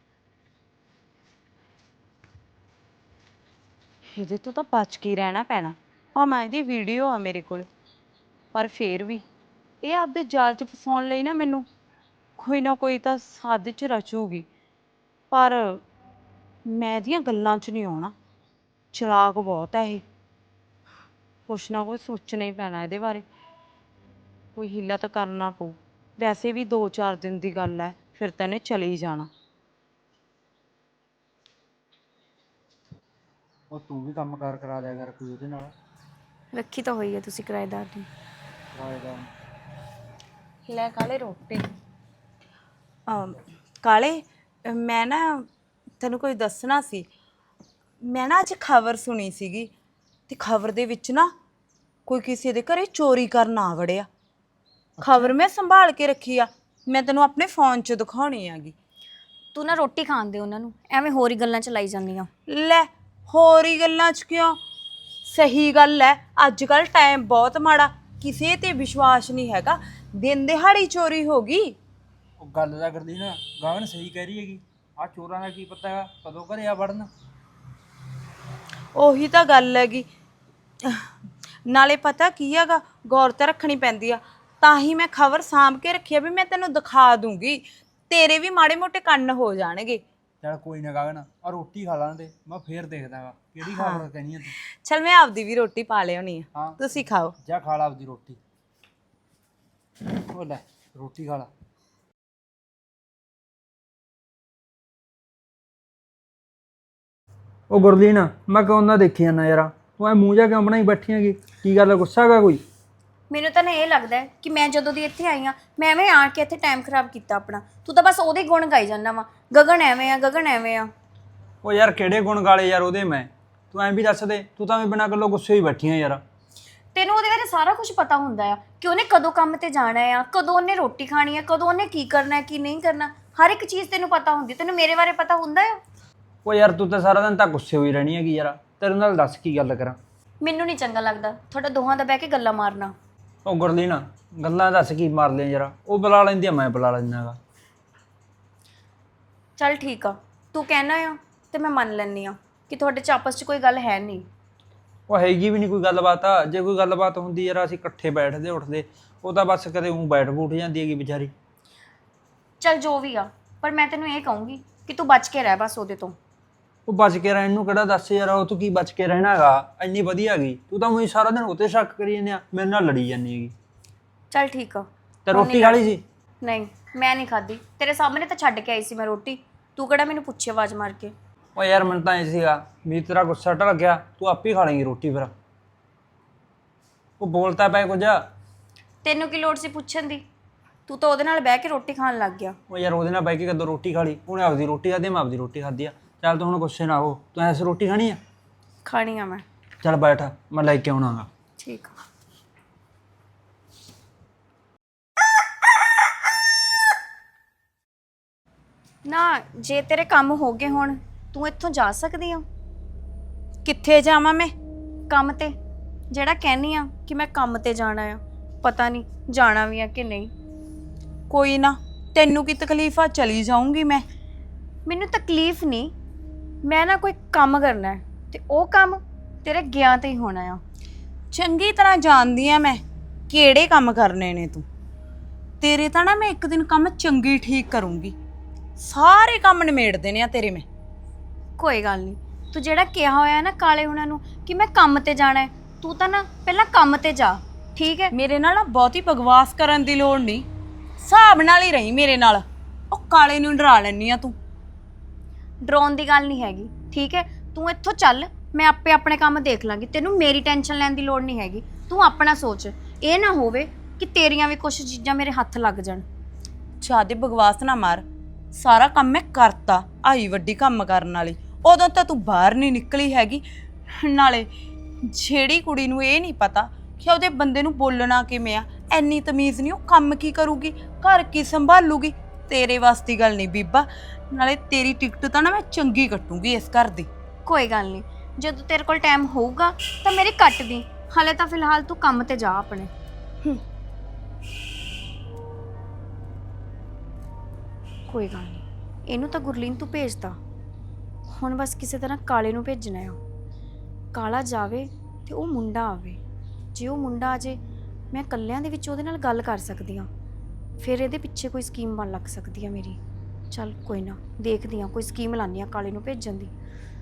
[SPEAKER 3] ਇਹਦੇ ਤੋਂ ਤਾਂ ਬਚ ਕੇ ਰਹਿਣਾ ਪੈਣਾ। ਭਾਵੇਂ ਇਹਦੀ ਵੀਡੀਓ ਆ ਮੇਰੇ ਕੋਲ, ਪਰ ਫੇਰ ਵੀ ਇਹ ਆਪਦੇ ਜਾਲ 'ਚ ਫਸਾਉਣ ਲਈ ਨਾ ਮੈਨੂੰ ਕੋਈ ਨਾ ਕੋਈ ਤਾਂ ਸਾਜ਼ਿਸ਼ 'ਚ ਰਚੂਗੀ। ਪਰ ਮੈਂ ਇਹਦੀਆਂ ਗੱਲਾਂ 'ਚ ਨਹੀਂ ਆਉਣਾ, ਚਲਾਕ ਬਹੁਤ ਹੈ ਇਹ। ਕੁਛ ਨਾ ਕੁਛ ਸੋਚਣਾ ਹੀ ਪੈਣਾ ਇਹਦੇ ਬਾਰੇ, ਕੋਈ ਹੀਲਾ ਤਾਂ ਕਰਨਾ ਪਊ। ਵੈਸੇ ਵੀ 2-4 ਦਿਨ ਦੀ ਗੱਲ ਹੈ, ਫਿਰ ਤਾਂ ਇਹਨੇ ਚਲੇ ਹੀ ਜਾਣਾ।
[SPEAKER 2] ਉਹ ਤੂੰ ਵੀ ਕੰਮ ਕਾਰ ਕਰਾ ਦਿਆ ਕਰ ਕੋਈ ਉਹਦੇ ਨਾਲ।
[SPEAKER 1] ਰੱਖੀ ਤਾਂ ਹੋਈ ਹੈ ਤੁਸੀਂ ਕਿਰਾਏਦਾਰ ਦੀ।
[SPEAKER 2] ਰਾਏਦਾਰ
[SPEAKER 3] ਲੈ ਕਾਲੇ ਰੋਟੀ। ਕਾਲੇ, ਮੈਂ ਨਾ ਤੈਨੂੰ ਕੋਈ ਦੱਸਣਾ ਸੀ। ਮੈਂ ਨਾ ਅੱਜ ਖਬਰ ਸੁਣੀ ਸੀਗੀ, ਤੇ ਖਬਰ ਦੇ ਵਿੱਚ ਨਾ ਕੋਈ ਕਿਸੇ ਦੇ ਘਰੇ ਚੋਰੀ ਕਰਨ ਆ ਵੜਿਆ। ਖਬਰ ਮੈਂ ਸੰਭਾਲ ਕੇ ਰੱਖੀ ਆ, ਮੈਂ ਤੈਨੂੰ ਆਪਣੇ ਫੋਨ 'ਚ ਦਿਖਾਉਣੀ ਆਗੀ।
[SPEAKER 1] ਤੂੰ ਨਾ ਰੋਟੀ ਖਾਣ ਦੇ ਉਹਨਾਂ ਨੂੰ, ਐਵੇਂ ਹੋਰ ਹੀ ਗੱਲਾਂ ਚ ਲਾਈ ਜਾਂਦੀ ਆ।
[SPEAKER 3] ਲੈ ਹੋਰ ਹੀ ਗੱਲਾਂ 'ਚ ਕਿਉਂ? ਸਹੀ ਗੱਲ ਹੈ, ਅੱਜ ਕੱਲ ਟਾਈਮ ਬਹੁਤ ਮਾੜਾ, ਕਿਸੇ ਤੇ ਵਿਸ਼ਵਾਸ ਨਹੀਂ ਹੈਗਾ। ਦਿਨ ਦਿਹਾੜੀ ਚੋਰੀ ਹੋ ਗਈ।
[SPEAKER 2] ਉਹ ਗੱਲ ਦਾ ਕਰਦੀ ਨਾ, ਗਗਨ ਸਹੀ ਕਹਿ ਰਹੀ ਹੈਗੀ। ਆ ਚੋਰਾਂ ਦਾ ਕੀ ਪਤਾ ਹੈਗਾ ਕਦੋਂ ਘਰੇ ਆ ਵੜਨ।
[SPEAKER 3] ਉਹੀ ਤਾਂ ਗੱਲ ਹੈਗੀ। ਨਾਲੇ ਪਤਾ ਕੀ ਹੈਗਾ, ਗੌਰ ਤਾਂ ਰੱਖਣੀ ਪੈਂਦੀ ਆ। ਤਾਂ ਹੀ ਮੈਂ ਖਬਰ ਸਾਂਭ ਕੇ ਰੱਖੀ ਆ ਵੀ ਮੈਂ ਤੈਨੂੰ ਦਿਖਾ ਦੂੰਗੀ, ਤੇਰੇ ਵੀ ਮਾੜੇ ਮੋਟੇ ਕੰਨ ਹੋ ਜਾਣਗੇ।
[SPEAKER 2] ਚੱਲ ਕੋਈ ਨਾ ਗਗਨ, ਆ ਰੋਟੀ ਖਾ ਲਾਂ ਤੇ ਮੈਂ ਫੇਰ ਦੇਖਦਾ ਗਾ ਕਿਹੜੀ ਖਬਰ ਕਹਿਣੀ ਆ ਤੂੰ।
[SPEAKER 3] ਚਲ ਮੈਂ ਆਪਦੀ ਵੀ ਰੋਟੀ ਪਾ ਲਿਆਉਣੀ ਆ,
[SPEAKER 2] ਹਾਂ
[SPEAKER 3] ਤੁਸੀਂ ਖਾਓ।
[SPEAKER 2] ਜਾ ਖਾ ਲਾ ਆਪਦੀ ਰੋਟੀ। ਉਹ ਲੈ ਰੋਟੀ ਖਾ ਲਾ। ਉਹ ਗੁਰਲੀਨ, ਮੈਂ ਕਿਉਂ ਨਾ ਦੇਖੀ ਜਾਂਦਾ ਯਾਰ, ਤੂੰ ਐ ਮੂੰਹ ਜਾ ਕਿਉਂ ਬਣਾਈ ਬੈਠੀ ਹੈਗੀ? ਕੀ ਗੱਲ, ਗੁੱਸਾ ਹੈਗਾ ਕੋਈ?
[SPEAKER 1] ਮੈਨੂੰ ਤਾਂ ਨਾ ਇਹ ਲੱਗਦਾ ਹੈ ਕਿ ਮੈਂ ਜਦੋਂ ਦੀ ਇੱਥੇ ਆਈ ਆ, ਮੈਂ ਐਵੇਂ ਆਣ ਕੇ ਇੱਥੇ ਟਾਈਮ ਖਰਾਬ ਕੀਤਾ ਆਪਣਾ। ਤੂੰ ਤਾਂ ਬਸ ਉਹਦੇ ਗੁਣ ਗਾਈ ਜਾਂਦਾ ਵਾ, ਗਗਨ ਐਵੇਂ ਆ, ਗਗਨ ਐਵੇਂ ਆ।
[SPEAKER 2] ਉਹ ਯਾਰ ਕਿਹੜੇ ਗੁਣ ਗਾਲੇ ਯਾਰ ਉਹਦੇ ਮੈਂ? ਤੂੰ ਐਂ ਵੀ ਦੱਸ ਦੇ, ਤੂੰ ਤਾਂ ਐਵੇਂ ਬਿਨਾਂ ਗੱਲੋਂ ਗੁੱਸੇ ਹੀ ਬੈਠੀ ਆ ਯਾਰ।
[SPEAKER 1] ਤੈਨੂੰ ਉਹਦੇ ਬਾਰੇ ਸਾਰਾ ਕੁਝ ਪਤਾ ਹੁੰਦਾ ਆ ਕਿ ਉਹਨੇ ਕਦੋਂ ਕੰਮ ਤੇ ਜਾਣਾ ਆ, ਕਦੋਂ ਉਹਨੇ ਰੋਟੀ ਖਾਣੀ ਆ, ਕਦੋਂ ਉਹਨੇ ਕੀ ਕਰਨਾ ਹੈ ਕੀ ਨਹੀਂ ਕਰਨਾ, ਹਰ ਇੱਕ ਚੀਜ਼ ਤੈਨੂੰ ਪਤਾ ਹੁੰਦੀ। ਤੈਨੂੰ ਮੇਰੇ ਬਾਰੇ ਪਤਾ ਹੁੰਦਾ ਆ?
[SPEAKER 2] ਉਹ ਯਾਰ ਤੂੰ ਤਾਂ ਸਾਰਾ ਦਿਨ ਤਾਂ ਗੁੱਸੇ ਹੋਈ ਰਹਿਣੀ ਹੈਗੀ ਯਾਰ, ਤੇਰੇ ਨਾਲ ਦੱਸ ਕੀ ਗੱਲ ਕਰਾਂ।
[SPEAKER 1] ਮੈਨੂੰ ਨਹੀਂ ਚੰਗਾ ਲੱਗਦਾ ਤੁਹਾਡਾ ਦੋਹਾਂ ਦਾ ਬਹਿ ਕੇ ਗੱਲਾਂ ਮਾਰਨਾ।
[SPEAKER 2] ਉਹ ਗੁਰਲੀਨ, ਗੱਲਾਂ ਦੱਸ ਕੀ ਮਾਰ ਲਿਆ ਯਾਰ? ਉਹ ਬੁਲਾ ਲੈਂਦੀ ਆ, ਮੈਂ ਬੁਲਾ ਲੈਂਦਾ ਹੈਗਾ।
[SPEAKER 1] ਚੱਲ ਠੀਕ ਆ, ਤੂੰ ਕਹਿਣਾ ਆ ਤੇ ਮੈਂ ਮੰਨ ਲੈਂਦੀ ਆ ਕਿ ਤੁਹਾਡੇ 'ਚ ਆਪਸ 'ਚ ਕੋਈ ਗੱਲ ਹੈ ਨਹੀਂ।
[SPEAKER 2] ਉਹ ਹੈਗੀ ਵੀ ਨਹੀਂ ਕੋਈ ਗੱਲਬਾਤ ਆ। ਜੇ ਕੋਈ ਗੱਲਬਾਤ ਹੁੰਦੀ ਯਾਰ ਅਸੀਂ ਇਕੱਠੇ ਬੈਠਦੇ ਉੱਠਦੇ, ਉਹ ਤਾਂ ਬਸ ਕਦੇ ਉਂ ਬੈਠ ਬੂਠ ਜਾਂਦੀ ਹੈਗੀ ਵਿਚਾਰੀ।
[SPEAKER 1] ਚੱਲ ਜੋ ਵੀ ਆ, ਪਰ ਮੈਂ ਤੈਨੂੰ ਇਹ ਕਹੂੰਗੀ ਕਿ ਤੂੰ ਬਚ ਕੇ ਰਹਿ ਬਸ ਉਹਦੇ ਤੋਂ।
[SPEAKER 2] ਉਹ ਬਚ ਕੇ ਰਹਿਣ ਨੂੰ ਕਿਹੜਾ ਦੱਸ ਯਾਰ, ਉਹ ਤੂੰ ਕੀ ਬਚ ਕੇ ਰਹਿਣਾ ਹੈਗਾ, ਇੰਨੀ ਵਧੀਆ ਹੈਗੀ। ਤੂੰ ਤਾਂ ਉਹੀ ਸਾਰਾ ਦਿਨ ਉੱਤੇ ਸ਼ੱਕ ਕਰੀ ਜਾਂਦੇ ਆ, ਮੇਰੇ ਨਾਲ ਲੜੀ ਜਾਂਦੀ ਹੈਗੀ।
[SPEAKER 1] ਚੱਲ ਠੀਕ ਆ।
[SPEAKER 2] ਤੇ ਰੋਟੀ ਖਾ ਲਈ ਸੀ?
[SPEAKER 1] ਨਹੀਂ, ਮੈਂ ਨਹੀਂ ਖਾਧੀ। ਤੇਰੇ ਸਾਹਮਣੇ ਤਾਂ ਛੱਡ ਕੇ ਆਈ ਸੀ ਮੈਂ ਰੋਟੀ। ਤੂੰ ਕਿਹੜਾ ਮੈਨੂੰ ਪੁੱਛੇ ਆਵਾਜ਼ ਮਾਰ ਕੇ?
[SPEAKER 2] ਉਹ ਯਾਰ ਮੈਨੂੰ ਤਾਂ ਇਹ ਸੀਗਾ ਵੀ ਤੇਰਾ ਗੁੱਸਾ ਢਲ ਗਿਆ, ਤੂੰ ਆਪੇ ਹੀ ਖਾ ਲੇਂਗੀ ਰੋਟੀ ਫਿਰ। ਉਹ ਬੋਲਤਾ ਪਏ ਕੁਝ।
[SPEAKER 1] ਤੈਨੂੰ ਕੀ ਲੋੜ ਸੀ ਪੁੱਛਣ ਦੀ? ਤੂੰ ਤਾਂ ਉਹਦੇ ਨਾਲ ਬਹਿ ਕੇ ਰੋਟੀ ਖਾਣ ਲੱਗ ਗਿਆ।
[SPEAKER 2] ਉਹ ਯਾਰ ਉਹਦੇ ਨਾਲ ਬਹਿ ਕੇ ਕਦੋਂ ਰੋਟੀ ਖਾ ਲਈ? ਉਹਨੇ ਆਪਦੀ ਰੋਟੀ ਖਾਧੀ, ਮੈਂ ਆਪਦੀ ਰੋਟੀ ਖਾਧੀ ਆ। ਚੱਲ ਤੂੰ ਹੁਣ ਗੁੱਸੇ ਨਾ ਹੋ, ਤੂੰ ਐਸੇ ਰੋਟੀ ਖਾਣੀ ਆ?
[SPEAKER 1] ਖਾਣੀ ਆ ਮੈਂ।
[SPEAKER 2] ਚੱਲ ਬੈਠ, ਮੈਂ ਲੈ ਕੇ ਆਉਣਾਗਾ।
[SPEAKER 1] ਠੀਕ ਆ। ਨਾ ਜੇ ਤੇਰੇ ਕੰਮ ਹੋ ਗਏ ਹੁਣ, ਤੂੰ ਇੱਥੋਂ ਜਾ ਸਕਦੀ ਆ।
[SPEAKER 3] ਕਿੱਥੇ ਜਾਵਾਂ ਮੈਂ?
[SPEAKER 1] ਕੰਮ ਤੇ, ਜਿਹੜਾ ਕਹਿਨੀ ਆ ਕਿ ਮੈਂ ਕੰਮ ਤੇ ਜਾਣਾ ਆ। ਪਤਾ ਨਹੀਂ ਜਾਣਾ ਵੀ ਆ ਕਿ ਨਹੀਂ।
[SPEAKER 3] ਕੋਈ ਨਾ, ਤੈਨੂੰ ਕੀ ਤਕਲੀਫ ਆ? ਚਲੀ ਜਾਊਂਗੀ ਮੈਂ।
[SPEAKER 1] ਮੈਨੂੰ ਤਕਲੀਫ ਨਹੀਂ, ਮੈਂ ਨਾ ਕੋਈ ਕੰਮ ਕਰਨਾ ਹੈ ਤੇ ਉਹ ਕੰਮ ਤੇਰੇ ਗਿਆ ਤੇ ਹੀ ਹੋਣਾ ਆ।
[SPEAKER 3] ਚੰਗੀ ਤਰ੍ਹਾਂ ਜਾਣਦੀ ਆ ਮੈਂ ਕਿਹੜੇ ਕੰਮ ਕਰਨੇ ਨੇ ਤੂੰ। ਤੇਰੇ ਤਾਂ ਨਾ ਮੈਂ ਇੱਕ ਦਿਨ ਕੰਮ ਚੰਗੀ ਠੀਕ ਕਰੂੰਗੀ। ਸਾਰੇ ਕੰਮ ਨਿਮੇੜ ਦੇਣੇ ਆ ਤੇਰੇ ਮੈਂ।
[SPEAKER 1] ਕੋਈ ਗੱਲ ਨਹੀਂ, ਤੂੰ ਜਿਹੜਾ ਕਿਹਾ ਹੋਇਆ ਨਾ ਕਾਲੇ ਉਹਨਾਂ ਨੂੰ ਕਿ ਮੈਂ ਕੰਮ ਤੇ ਜਾਣਾ ਹੈ, ਤੂੰ ਤਾਂ ਨਾ ਪਹਿਲਾਂ ਕੰਮ ਤੇ ਜਾ, ਠੀਕ ਹੈ?
[SPEAKER 3] ਮੇਰੇ ਨਾਲ ਨਾ ਬਹੁਤੀ ਬਕਵਾਸ ਕਰਨ ਦੀ ਲੋੜ ਨਹੀਂ, ਹਿਸਾਬ ਨਾਲ ਹੀ ਰਹੀ ਮੇਰੇ ਨਾਲ। ਉਹ ਕਾਲੇ ਨੂੰ ਡਰਾ ਲੈਣੀ ਆ ਤੂੰ।
[SPEAKER 1] ਡਰਾਉਣ ਦੀ ਗੱਲ ਨਹੀਂ ਹੈਗੀ, ਠੀਕ ਹੈ? ਤੂੰ ਇੱਥੋਂ ਚੱਲ, ਮੈਂ ਆਪੇ ਆਪਣੇ ਕੰਮ ਦੇਖ ਲਾਂਗੀ। ਤੈਨੂੰ ਮੇਰੀ ਟੈਨਸ਼ਨ ਲੈਣ ਦੀ ਲੋੜ ਨਹੀਂ ਹੈਗੀ। ਤੂੰ ਆਪਣਾ ਸੋਚ, ਇਹ ਨਾ ਹੋਵੇ ਕਿ ਤੇਰੀਆਂ ਵੀ ਕੁਝ ਚੀਜ਼ਾਂ ਮੇਰੇ ਹੱਥ ਲੱਗ ਜਾਣ।
[SPEAKER 3] ਜ਼ਿਆਦੇ ਬਕਵਾਸ ਨਾ ਮਾਰ। ਸਾਰਾ ਕੰਮ ਮੈਂ ਕਰਤਾ, ਆਈ ਵੱਡੀ ਕੰਮ ਕਰਨ ਵਾਲੀ। ਉਦੋਂ ਤਾਂ ਤੂੰ ਬਾਹਰ ਨਹੀਂ ਨਿਕਲੀ ਹੈਗੀ। ਨਾਲੇ ਜਿਹੜੀ ਕੁੜੀ ਨੂੰ ਇਹ ਨਹੀਂ ਪਤਾ ਕਿ ਉਹਦੇ ਬੰਦੇ ਨੂੰ ਬੋਲਣਾ ਕਿਵੇਂ ਆ, ਐਨੀ ਤਮੀਜ਼ ਨਹੀਂ, ਉਹ ਕੰਮ ਕੀ ਕਰੂਗੀ, ਘਰ ਕੀ ਸੰਭਾਲੂਗੀ। ਤੇਰੇ ਵਾਸਤੇ ਦੀ ਗੱਲ ਨਹੀਂ ਬੀਬਾ। ਨਾਲੇ ਤੇਰੀ ਟਿਕਟ ਤਾਂ ਨਾ ਮੈਂ ਚੰਗੀ ਕੱਟੂਗੀ ਇਸ ਘਰ ਦੀ।
[SPEAKER 1] ਕੋਈ ਗੱਲ ਨਹੀਂ, ਜਦੋਂ ਤੇਰੇ ਕੋਲ ਟਾਈਮ ਹੋਊਗਾ ਤਾਂ ਮੇਰੀ ਕੱਟ ਦੀ। ਹਾਲੇ ਤਾਂ ਫਿਲਹਾਲ ਤੂੰ ਕੰਮ ਤੇ ਜਾ ਆਪਣੇ। ਕੋਈ ਗੱਲ ਨਹੀਂ, ਇਹਨੂੰ ਤਾਂ ਗੁਰਲੀਨ ਤੂੰ ਭੇਜਦਾ। ਹੁਣ ਬਸ ਕਿਸੇ ਤਰ੍ਹਾਂ ਕਾਲੇ ਨੂੰ ਭੇਜਣਾ ਆ। ਕਾਲਾ ਜਾਵੇ ਤੇ ਉਹ ਮੁੰਡਾ ਆਵੇ। ਜੇ ਉਹ ਮੁੰਡਾ ਆ ਜੇ, ਮੈਂ ਇਕੱਲਿਆਂ ਦੇ ਵਿੱਚ ਉਹਦੇ ਨਾਲ ਗੱਲ ਕਰ ਸਕਦੀ ਹਾਂ। ਫਿਰ ਇਹਦੇ ਪਿੱਛੇ ਕੋਈ ਸਕੀਮ ਬਣ ਲੱਗ ਸਕਦੀ ਆ ਮੇਰੀ। ਚੱਲ ਕੋਈ ਨਾ, ਦੇਖਦੀ ਹਾਂ, ਕੋਈ ਸਕੀਮ ਲਾਉਂਦੀ ਹਾਂ ਕਾਲੇ ਨੂੰ ਭੇਜਣ ਦੀ।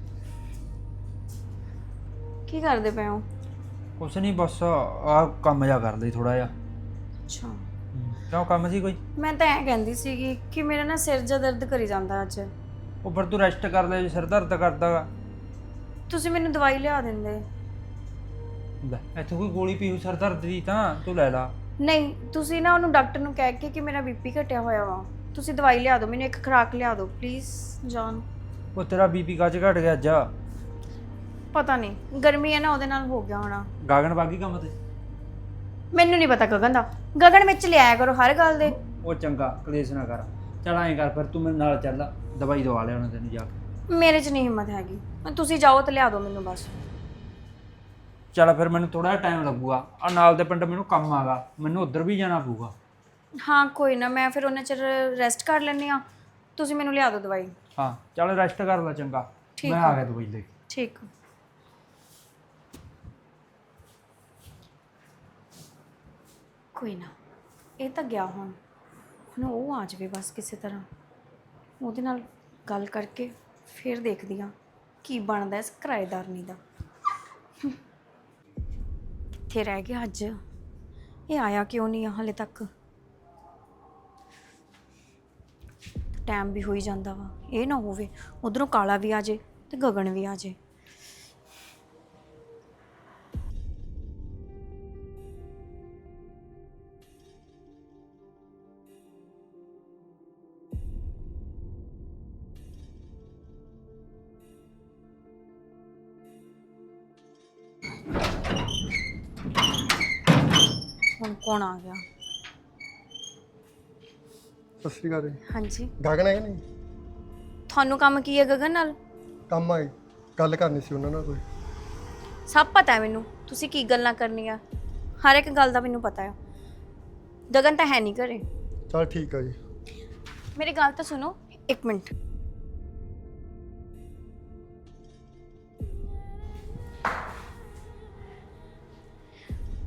[SPEAKER 1] ਕੀ ਕਰਦੇ ਪਏ ਹੋ?
[SPEAKER 2] ਕੁਛ ਨਹੀਂ, ਬਸ ਆਹ ਕੰਮ ਜਾ ਕਰ ਲਈ ਥੋੜਾ ਜਿਹਾ।
[SPEAKER 1] ਅੱਛਾ,
[SPEAKER 2] ਕਿਉਂ ਕੰਮ ਸੀ ਕੋਈ?
[SPEAKER 1] ਮੈਂ ਤਾਂ ਐਂ ਕਹਿੰਦੀ ਸੀਗੀ ਕਿ ਮੇਰਾ ਨਾ ਸਿਰ ਜਿਹਾ ਦਰਦ ਕਰੀ ਜਾਂਦਾ ਅੱਜ।
[SPEAKER 2] ਉਹ ਫਿਰ ਤੂੰ ਰੈਸਟ ਕਰ ਲੈ, ਜੇ ਸਿਰ ਦਰਦ ਕਰਦਾ ਗਾ।
[SPEAKER 1] ਤੁਸੀਂ ਮੈਨੂੰ ਦਵਾਈ ਲਿਆ ਦਿੰਦੇ।
[SPEAKER 2] ਲੈ ਇੱਥੇ ਕੋਈ ਗੋਲੀ ਪੀ ਹੋਈ ਸਿਰ ਦਰਦ ਦੀ ਤਾਂ ਤੂੰ ਲੈ ਲਾ।
[SPEAKER 1] ਨਹੀਂ, ਤੁਸੀਂ ਨਾ ਉਹਨੂੰ ਡਾਕਟਰ ਨੂੰ ਕਹਿ ਕੇ ਕਿ ਮੇਰਾ ਬੀਪੀ ਘਟਿਆ ਹੋਇਆ ਵਾ, ਤੁਸੀਂ ਦਵਾਈ ਲਿਆ ਦਿਓ ਮੈਨੂੰ, ਇੱਕ ਖੁਰਾਕ ਲਿਆ ਦਿਓ ਪਲੀਜ਼ ਜਾਨ।
[SPEAKER 2] ਉਹ ਤੇਰਾ ਬੀਪੀ ਕੱਜ ਘਟ ਗਿਆ ਅੱਜ?
[SPEAKER 1] ਪਤਾ ਨਹੀਂ, ਗਰਮੀ ਹੈ ਨਾ, ਉਹਦੇ ਨਾਲ ਹੋ ਗਿਆ ਹੋਣਾ।
[SPEAKER 2] ਗਾਗਨ ਬਾਗੀ ਕੰਮ ਤੇ?
[SPEAKER 1] ਮੈਨੂੰ ਨਹੀਂ ਪਤਾ ਗਗਨ ਦਾ। ਗਗਨ ਵਿੱਚ ਲਿਆਇਆ ਕਰੋ ਹਰ ਗੱਲ ਦੇ।
[SPEAKER 2] ਉਹ ਚੰਗਾ, ਕਲੇਸ਼ ਨਾ ਕਰ। ਚੱਲ ਐਂ ਕਰ ਫਿਰ, ਤੂੰ ਮੇਰੇ ਨਾਲ ਚੱਲ, ਦਵਾਈ ਦਵਾ ਲਿਆ ਉਹਨਾਂ ਤੈਨੂੰ ਜਾ ਕੇ।
[SPEAKER 1] ਮੇਰੇ 'ਚ ਨਹੀਂ ਹਿੰਮਤ ਹੈਗੀ, ਤੁਸੀਂ ਜਾਓ ਤੇ ਲਿਆ ਦਿਓ ਮੈਨੂੰ ਬਸ।
[SPEAKER 2] ਚੱਲ ਫਿਰ, ਮੈਨੂੰ ਥੋੜਾ ਜਿਹਾ ਟਾਈਮ ਲੱਗੂਗਾ। ਆ ਨਾਲ ਦੇ ਪਿੰਡ ਮੈਨੂੰ ਕੰਮ ਆਗਾ, ਮੈਨੂੰ ਉੱਧਰ ਵੀ ਜਾਣਾ ਪਊਗਾ।
[SPEAKER 1] ਹਾਂ ਕੋਈ ਨਾ, ਮੈਂ ਫਿਰ ਉਹਨਾਂ ਚਿਰ ਰੈਸਟ ਕਰ ਲੈਂਦੀ ਹਾਂ। ਤੁਸੀਂ ਮੈਨੂੰ ਲਿਆ ਦਿਓ ਦਵਾਈ।
[SPEAKER 2] ਹਾਂ ਚੱਲ ਰੈਸਟ ਕਰ ਲੈ, ਚੰਗਾ।
[SPEAKER 1] ਠੀਕ
[SPEAKER 2] ਮੈਂ ਆ ਗਿਆ ਦਵਾਈ ਲੈ ਕੇ।
[SPEAKER 1] ਠੀਕ। ਕੋਈ ਨਾ, ਇਹ ਤਾਂ ਗਿਆ ਹੁਣ ਉਹ ਆ ਜਾਵੇ ਬਸ ਕਿਸੇ ਤਰ੍ਹਾਂ। ਉਹਦੇ ਨਾਲ ਗੱਲ ਕਰਕੇ ਫਿਰ ਦੇਖਦੀ ਹਾਂ ਕੀ ਬਣਦਾ ਇਸ ਕਿਰਾਏਦਾਰਨੀ ਦਾ। ਕਿੱਥੇ ਰਹਿ ਗਿਆ ਅੱਜ? ਇਹ ਆਇਆ ਕਿਉਂ ਨਹੀਂ ਆ ਹਾਲੇ ਤੱਕ? ਟਾਈਮ ਵੀ ਹੋਈ ਜਾਂਦਾ ਵਾ। ਇਹ ਨਾ ਹੋਵੇ ਉਧਰੋਂ ਕਾਲਾ ਵੀ ਆ ਜੇ ਤੇ ਗਗਨ ਵੀ ਆ ਜੇ। ਹੁਣ ਕੌਣ ਆ ਗਿਆ?
[SPEAKER 4] ਸਤਿ ਸ਼੍ਰੀ ਅਕਾਲ ਜੀ।
[SPEAKER 1] ਹਾਂਜੀ,
[SPEAKER 4] ਗਗਨ ਹੈ ਕਿ ਨਹੀਂ?
[SPEAKER 1] ਤੁਹਾਨੂੰ ਕੰਮ ਕੀ ਹੈ ਗਗਨ ਨਾਲ?
[SPEAKER 4] ਕੰਮ ਆਈ, ਗੱਲ ਕਰਨੀ ਸੀ ਉਹਨਾਂ ਨਾਲ ਕੋਈ।
[SPEAKER 1] ਸਭ ਪਤਾ ਹੈ ਮੈਨੂੰ, ਤੁਸੀਂ ਕੀ ਗੱਲਾਂ ਕਰਨੀਆਂ। ਹਰ ਇੱਕ ਗੱਲ ਦਾ ਮੈਨੂੰ ਪਤਾ ਹੈ। ਗਗਨ ਤਾਂ ਹੈ ਨਹੀਂ ਘਰੇ।
[SPEAKER 4] ਚਲ ਠੀਕ ਆ ਜੀ।
[SPEAKER 1] ਮੇਰੀ ਗੱਲ ਤਾਂ ਸੁਣੋ, ਇੱਕ ਮਿੰਟ।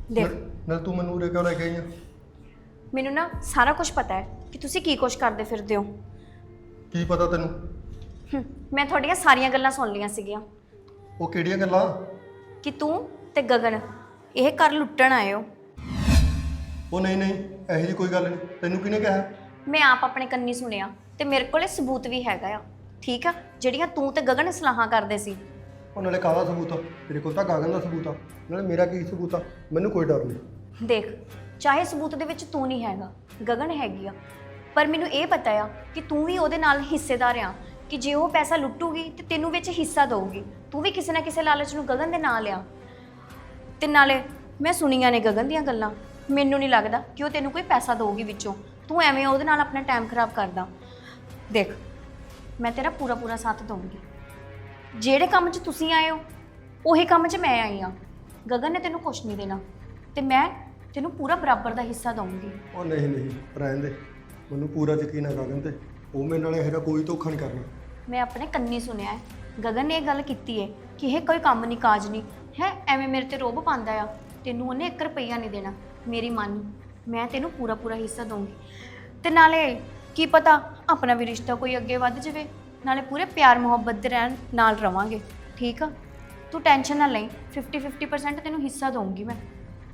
[SPEAKER 1] ਦੇਖ
[SPEAKER 4] ਨਾਲ ਤੂੰ ਮੈਨੂੰ ਉਰੇ ਕਿਉਂ ਲੈ ਕੇ ਆਈ ਆ?
[SPEAKER 1] ਮੈਨੂੰ ਨਾ ਸਾਰਾ ਕੁਝ ਪਤਾ ਹੈ ਕਿ ਤੁਸੀਂ ਕੀ ਕੁਝ ਕਰਦੇ ਫਿਰਦੇ ਹੋ।
[SPEAKER 4] ਕੀ ਪਤਾ ਤੈਨੂੰ?
[SPEAKER 1] ਮੈਂ ਤੁਹਾਡੀਆਂ ਸਾਰੀਆਂ ਗੱਲਾਂ ਸੁਣ ਲਈਆਂ ਸੀਗੀਆਂ
[SPEAKER 4] ਉਹ ਕਿਹੜੀਆਂ ਗੱਲਾਂ?
[SPEAKER 1] ਕਿ ਤੂੰ ਤੇ ਗਗਨ ਇਹ ਘਰ ਲੁੱਟਣ ਆਏ ਹੋ।
[SPEAKER 4] ਉਹ ਨਹੀਂ ਨਹੀਂ, ਇਹੋ ਜਿਹੀ ਕੋਈ ਗੱਲ ਨਹੀਂ। ਤੈਨੂੰ ਕਿਹਨੇ ਕਿਹਾ?
[SPEAKER 1] ਮੈਂ ਆਪ ਆਪਣੇ ਕੰਨੀ ਸੁਣਿਆ ਤੇ ਮੇਰੇ ਕੋਲੇ ਸਬੂਤ ਵੀ ਹੈਗਾ ਆ। ਠੀਕ ਆ, ਜਿਹੜੀਆਂ ਤੂੰ ਤੇ ਗਗਨ ਸਲਾਹਾਂ ਕਰਦੇ ਸੀ।
[SPEAKER 4] ਉਹ ਨਾਲੇ ਕਾਹਦਾ ਸਬੂਤ ਆ? ਤੇਰੇ ਕੋਲ ਤਾਂ ਗਗਨ ਦਾ ਸਬੂਤ ਆ, ਨਾਲੇ ਮੇਰਾ ਕੀ ਸਬੂਤ ਆ? ਮੈਨੂੰ ਕੋਈ ਡਰ ਨਹੀਂ।
[SPEAKER 1] ਦੇਖ, ਚਾਹੇ ਸਬੂਤ ਦੇ ਵਿੱਚ ਤੂੰ ਨਹੀਂ ਹੈਗਾ, ਗਗਨ ਹੈਗੀ ਆ, ਪਰ ਮੈਨੂੰ ਇਹ ਪਤਾ ਆ ਕਿ ਤੂੰ ਵੀ ਉਹਦੇ ਨਾਲ ਹਿੱਸੇਦਾਰ ਆ, ਕਿ ਜੇ ਉਹ ਪੈਸਾ ਲੁੱਟੂਗੀ ਤੇ ਤੈਨੂੰ ਵਿੱਚ ਹਿੱਸਾ ਦਊਗੀ। ਤੂੰ ਵੀ ਕਿਸੇ ਨਾ ਕਿਸੇ ਲਾਲਚ ਨੂੰ ਗਗਨ ਦੇ ਨਾਲ ਆ। ਤੇ ਨਾਲੇ ਮੈਂ ਸੁਣੀਆਂ ਨੇ ਗਗਨ ਦੀਆਂ ਗੱਲਾਂ, ਮੈਨੂੰ ਨਹੀਂ ਲੱਗਦਾ ਕਿ ਉਹ ਤੈਨੂੰ ਕੋਈ ਪੈਸਾ ਦਊਗੀ ਵਿੱਚੋਂ। ਤੂੰ ਐਵੇਂ ਉਹਦੇ ਨਾਲ ਆਪਣਾ ਟਾਈਮ ਖਰਾਬ ਕਰਦਾ। ਦੇਖ, ਮੈਂ ਤੇਰਾ ਪੂਰਾ ਪੂਰਾ ਸਾਥ ਦਊਂਗੀ। ਜਿਹੜੇ ਕੰਮ 'ਚ ਤੁਸੀਂ ਆਏ ਹੋ ਉਹੀ ਕੰਮ 'ਚ ਮੈਂ ਆਈ ਆ। ਗਗਨ ਨੇ ਤੈਨੂੰ ਕੁਛ ਨਹੀਂ ਦੇਣਾ ਤੇ ਮੈਂ ਤੈਨੂੰ ਪੂਰਾ ਬਰਾਬਰ ਦਾ ਹਿੱਸਾ ਦਊਂਗੀ।
[SPEAKER 4] ਉਹ ਨਹੀਂ ਨਹੀਂ, ਰਹਿਣ ਦੇ। ਮੈਨੂੰ ਪੂਰਾ ਯਕੀਨ ਹੈ ਗਗਨ ਤੇ। ਉਹ ਮੇਰੇ ਨਾਲ ਇਹੋ ਜਿਹਾ ਕੋਈ ਧੋਖਾ ਨਹੀਂ ਕਰਨਾ।
[SPEAKER 1] ਮੈਂ ਆਪਣੇ ਕੰਨੀ ਸੁਣਿਆ ਹੈ, ਗਗਨ ਨੇ ਇਹ ਗੱਲ ਕੀਤੀ ਹੈ ਕਿ ਇਹ ਕੋਈ ਕੰਮ ਨਹੀਂ ਕਾਜ ਨਹੀਂ ਹੈ, ਐਵੇਂ ਮੇਰੇ ਤੇ ਰੋਬ ਪਾਉਂਦਾ ਆ। ਤੈਨੂੰ ਉਹਨੇ 1 ਰੁਪਈਆ ਨਹੀਂ ਦੇਣਾ। ਮੇਰੀ ਮੰਨ, ਮੈਂ ਤੈਨੂੰ ਪੂਰਾ ਪੂਰਾ ਹਿੱਸਾ ਦਊਂਗੀ। ਤੇ ਨਾਲੇ ਕੀ ਪਤਾ ਆਪਣਾ ਵੀ ਰਿਸ਼ਤਾ ਕੋਈ ਅੱਗੇ ਵੱਧ ਜਾਵੇ, ਨਾਲੇ ਪੂਰੇ ਪਿਆਰ ਮੁਹੱਬਤ ਦੇ ਰਹਿਣ ਨਾਲ ਰਵਾਂਗੇ। ਠੀਕ ਆ, ਤੂੰ ਟੈਨਸ਼ਨ ਨਾ ਲਈ। 50% ਤੈਨੂੰ ਹਿੱਸਾ ਦਊਂਗੀ ਮੈਂ।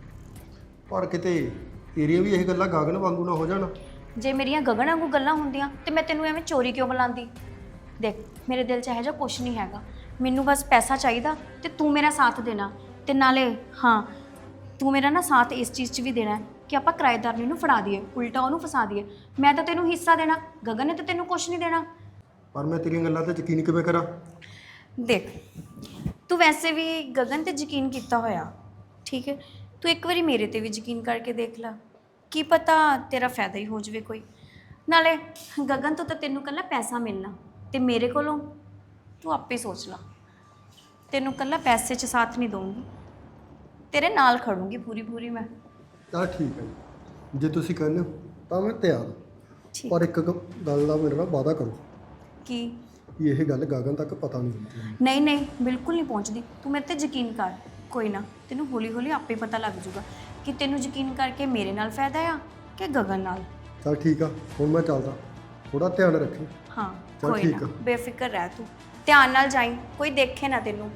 [SPEAKER 4] ਪਰ ਕਿਤੇ ਤੇਰੀਆਂ ਵੀ ਇਹ ਗੱਲਾਂ ਗਗਨ ਵਾਂਗੂ ਨਾ ਹੋ ਜਾਣ।
[SPEAKER 1] ਜੇ ਮੇਰੀਆਂ ਗਗਨ ਵਾਂਗੂ ਗੱਲਾਂ ਹੁੰਦੀਆਂ ਤੇ ਮੈਂ ਤੈਨੂੰ ਐਵੇਂ ਚੋਰੀ ਕਿਉਂ ਬੁਲਾਉਂਦੀ? ਦੇਖ, ਮੇਰੇ ਦਿਲ 'ਚ ਇਹੋ ਜਿਹਾ ਕੁਛ ਨਹੀਂ ਹੈਗਾ। ਮੈਨੂੰ ਬਸ ਪੈਸਾ ਚਾਹੀਦਾ ਤੇ ਤੂੰ ਮੇਰਾ ਸਾਥ ਦੇਣਾ। ਤੇ ਨਾਲੇ ਹਾਂ, ਤੂੰ ਮੇਰਾ ਨਾ ਸਾਥ ਇਸ ਚੀਜ਼ 'ਚ ਵੀ ਦੇਣਾ ਹੈ ਕਿ ਆਪਾਂ ਕਿਰਾਏਦਾਰਨੀ ਨੂੰ ਫੜਾ ਦਈਏ, ਉਲਟਾ ਉਹਨੂੰ ਫਸਾ ਦਈਏ। ਮੈਂ ਤਾਂ ਤੈਨੂੰ ਹਿੱਸਾ ਦੇਣਾ, ਗਗਨ ਨੇ ਤਾਂ ਤੈਨੂੰ ਕੁਛ ਨਹੀਂ ਦੇਣਾ।
[SPEAKER 4] ਪਰ ਮੈਂ ਤੇਰੀਆਂ ਗੱਲਾਂ ਤੇ ਯਕੀਨ ਕਿਵੇਂ ਕਰਾਂ?
[SPEAKER 1] ਦੇਖ, ਤੂੰ ਵੈਸੇ ਵੀ ਗਗਨ ਤੇ ਯਕੀਨ ਕੀਤਾ ਹੋਇਆ, ਠੀਕ ਹੈ। ਤੂੰ ਇੱਕ ਵਾਰੀ ਮੇਰੇ ਤੇ ਵੀ ਯਕੀਨ ਕਰਕੇ ਦੇਖ ਲੈ, ਕੀ ਪਤਾ ਤੇਰਾ ਫਾਇਦਾ ਹੀ ਹੋ ਜਾਵੇ ਕੋਈ। ਨਾਲੇ ਗਗਨ ਤੋਂ ਤਾਂ ਤੈਨੂੰ ਇਕੱਲਾ ਪੈਸਾ ਮਿਲਣਾ, ਤੇ ਮੇਰੇ ਕੋਲੋਂ ਤੂੰ ਆਪੇ ਸੋਚ ਲਾ। ਤੈਨੂੰ ਇਕੱਲਾ ਪੈਸੇ 'ਚ ਸਾਥ ਨਹੀਂ ਦਊਂਗੀ, ਤੇਰੇ ਨਾਲ ਖੜੂੰਗੀ ਪੂਰੀ ਮੈਂ।
[SPEAKER 4] ਚਲ ਠੀਕ ਹੈ ਜੀ, ਜੇ ਤੁਸੀਂ ਕਹਿੰਦੇ ਹੋ ਤਾਂ ਮੈਂ ਤਿਆਰ ਹਾਂ।
[SPEAKER 1] ਠੀਕ।
[SPEAKER 4] ਪਰ ਇੱਕ ਗੱਲ ਦਾ ਮੇਰੇ ਨਾਲ ਵਾਅਦਾ ਕਰੋ
[SPEAKER 1] ਕੀ?
[SPEAKER 4] ਕਿ ਇਹ ਗੱਲ ਗਗਨ ਤੱਕ ਪਤਾ ਨਹੀਂ ਹੁੰਦੀ।
[SPEAKER 1] ਨਹੀਂ ਨਹੀਂ, ਬਿਲਕੁਲ ਨਹੀਂ ਪਹੁੰਚਦੀ। ਤੂੰ ਮੇਰੇ ਤੇ ਯਕੀਨ ਕਰ, ਕੋਈ ਨਾ, ਤੈਨੂੰ ਹੌਲੀ ਹੌਲੀ ਆਪੇ ਪਤਾ ਲੱਗ ਜਾਊਗਾ ਕਿ ਤੈਨੂੰ ਯਕੀਨ ਕਰਕੇ ਮੇਰੇ ਨਾਲ ਫਾਇਦਾ ਆ ਕਿ ਗਗਨ ਨਾਲ।
[SPEAKER 4] ਚਲ ਠੀਕ ਆ, ਹੁਣ ਮੈਂ ਚੱਲਦਾ। ਥੋੜਾ ਧਿਆਨ ਰੱਖੀ।
[SPEAKER 1] ਹਾਂ
[SPEAKER 4] ਚੱਲ
[SPEAKER 1] ਕੋਈ
[SPEAKER 4] ਠੀਕ
[SPEAKER 1] ਨਾ,
[SPEAKER 4] ਆ।
[SPEAKER 1] ਬੇਫਿਕਰ ਰਹਿ ਤੂੰ, ਧਿਆਨ ਨਾਲ ਜਾਈਂ, ਕੋਈ ਦੇਖੇ ਨਾ ਤੈਨੂੰ।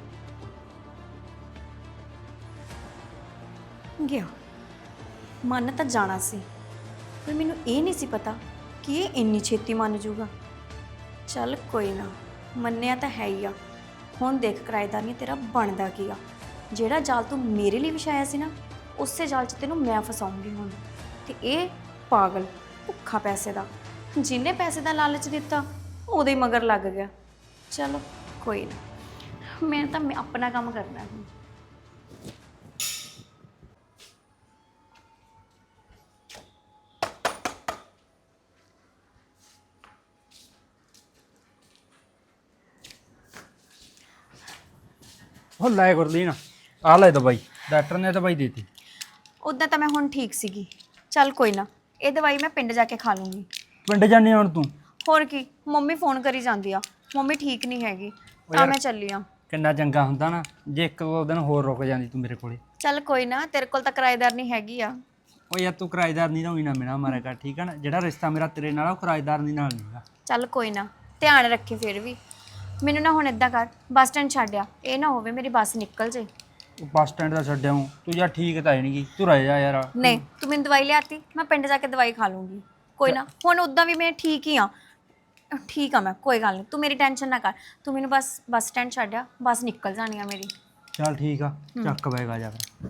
[SPEAKER 1] ਗਿਆ ਮੰਨ ਤਾਂ ਜਾਣਾ ਸੀ, ਪਰ ਮੈਨੂੰ ਇਹ ਨਹੀਂ ਸੀ ਪਤਾ ਕਿ ਇਹ ਇੰਨੀ ਛੇਤੀ ਮੰਨ ਜਾਊਗਾ। ਚੱਲ ਕੋਈ ਨਾ, ਮੰਨਿਆ ਤਾਂ ਹੈ ਹੀ ਆ। ਹੁਣ ਦੇਖ ਕਿਰਾਏਦਾਰੀ ਤੇਰਾ ਬਣਦਾ ਕੀ ਆ। ਜਿਹੜਾ ਜਾਲ ਤੂੰ ਮੇਰੇ ਲਈ ਵਿਛਾਇਆ ਸੀ ਨਾ, ਉਸੇ ਜਾਲ 'ਚ ਤੈਨੂੰ ਮੈਂ ਫਸਾਉਂਗੀ ਹੁਣ। ਤੇ ਇਹ ਪਾਗਲ ਭੁੱਖਾ ਪੈਸੇ ਦਾ, ਜਿਹਨੇ ਪੈਸੇ ਦਾ ਲਾਲਚ ਦਿੱਤਾ ਉਹਦੇ ਹੀ ਮਗਰ ਲੱਗ ਗਿਆ। ਚਲੋ ਕੋਈ ਨਾ, ਮੈਂ ਤਾਂ ਆਪਣਾ ਕੰਮ ਕਰਨਾ ਹੁਣ।
[SPEAKER 2] ਉਹ ਲੈ ਗੁਰਲੀਨ, ਆ ਲੈ ਦਵਾਈ। ਡਾਕਟਰ ਨੇ ਦਵਾਈ ਦੇਤੀ।
[SPEAKER 1] ਉੱਦਾਂ ਤਾਂ ਮੈਂ ਹੁਣ ਠੀਕ ਸੀਗੀ। ਚੱਲ ਕੋਈ ਨਾ, ਇਹ ਦਵਾਈ ਮੈਂ ਪਿੰਡ ਜਾ ਕੇ ਖਾ ਲੂੰਗੀ।
[SPEAKER 2] ਪਿੰਡ ਜਾਣੀ ਹੁਣ ਤੂੰ?
[SPEAKER 1] ਹੋਰ ਕੀ, ਮੰਮੀ ਫੋਨ ਕਰੀ ਜਾਂਦੀ ਆ, ਮੰਮੀ ਠੀਕ ਨਹੀਂ ਹੈਗੀ, ਤਾਂ ਮੈਂ ਚੱਲੀ ਆ।
[SPEAKER 2] ਕਿੰਨਾ ਚੰਗਾ ਹੁੰਦਾ ਨਾ ਜੇ 1-2 ਦਿਨ ਹੋਰ ਰੁਕ ਜਾਂਦੀ ਤੂੰ ਮੇਰੇ ਕੋਲੇ।
[SPEAKER 1] ਚੱਲ ਕੋਈ ਨਾ, ਤੇਰੇ ਕੋਲ ਤਾਂ ਕਿਰਾਏਦਾਰ ਨਹੀਂ ਹੈਗੀ ਆ।
[SPEAKER 2] ਉਹ ਯਾਰ ਤੂੰ ਕਿਰਾਏਦਾਰ ਨਹੀਂ ਹੋਈ ਨਾ ਮੇਰਾ ਮਾਰਿਆ ਕਰ, ਠੀਕ ਹੈ ਨਾ। ਜਿਹੜਾ ਰਿਸ਼ਤਾ ਮੇਰਾ ਤੇਰੇ ਨਾਲ ਉਹ ਕਿਰਾਏਦਾਰ ਨਹੀਂ ਨਾਲ ਨਹੀਂਗਾ।
[SPEAKER 1] ਚੱਲ ਕੋਈ ਨਾ, ਧਿਆਨ ਰੱਖੀ। ਫਿਰ ਵੀ ਮੈਨੂੰ ਨਾ ਹੁਣ ਇੱਦਾਂ ਕਰ, ਬੱਸ ਸਟੈਂਡ ਛੱਡਿਆ, ਇਹ ਨਾ ਹੋਵੇ ਮੇਰੀ ਬੱਸ ਨਿਕਲ ਜੇ।
[SPEAKER 2] ਉਹ ਬੱਸ ਸਟੈਂਡ ਦਾ ਛੱਡਿਆ ਹੂੰ ਤੂੰ, ਯਾਰ ਠੀਕ ਤਾਂ ਹੈ ਨਹੀਂਗੀ, ਤੂੰ ਰਹਿ ਜਾ ਯਾਰ।
[SPEAKER 1] ਨਹੀਂ, ਤੂੰ ਮੈਨੂੰ ਦਵਾਈ ਲਿਆਤੀ, ਮੈਂ ਪਿੰਡ ਜਾ ਕੇ ਦਵਾਈ ਖਾ ਲੂੰਗੀ। ਕੋਈ ਨਾ, ਹੁਣ ਉੱਦਾਂ ਵੀ ਮੈਂ ਠੀਕ ਹੀ ਆ। ਠੀਕ ਆ ਮੈਂ, ਕੋਈ ਗੱਲ ਨਹੀਂ, ਤੂੰ ਮੇਰੀ ਟੈਨਸ਼ਨ ਨਾ ਕਰ। ਤੂੰ ਮੈਨੂੰ ਬਸ ਬੱਸ ਸਟੈਂਡ ਛੱਡਿਆ, ਬੱਸ ਨਿਕਲ ਜਾਣੀ ਆ ਮੇਰੀ।
[SPEAKER 2] ਚੱਲ ਠੀਕ ਆ, ਚੱਕ ਬੈਗ ਆ ਜਾ ਫਿਰ।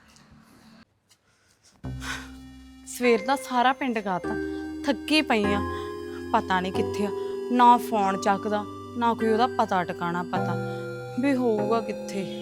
[SPEAKER 3] ਸਵੇਰ ਦਾ ਸਾਰਾ ਪਿੰਡ ਗਾਤਾ, ਥੱਕੀ ਪਈ ਆ। ਪਤਾ ਨਹੀਂ ਕਿੱਥੇ ਆ, ਨਾ ਫੋਨ ਚੱਕਦਾ, ਨਾ ਕੋਈ ਉਹਦਾ ਪਤਾ ਟਿਕਾਣਾ ਪਤਾ ਵੀ ਹੋਊਗਾ ਕਿੱਥੇ।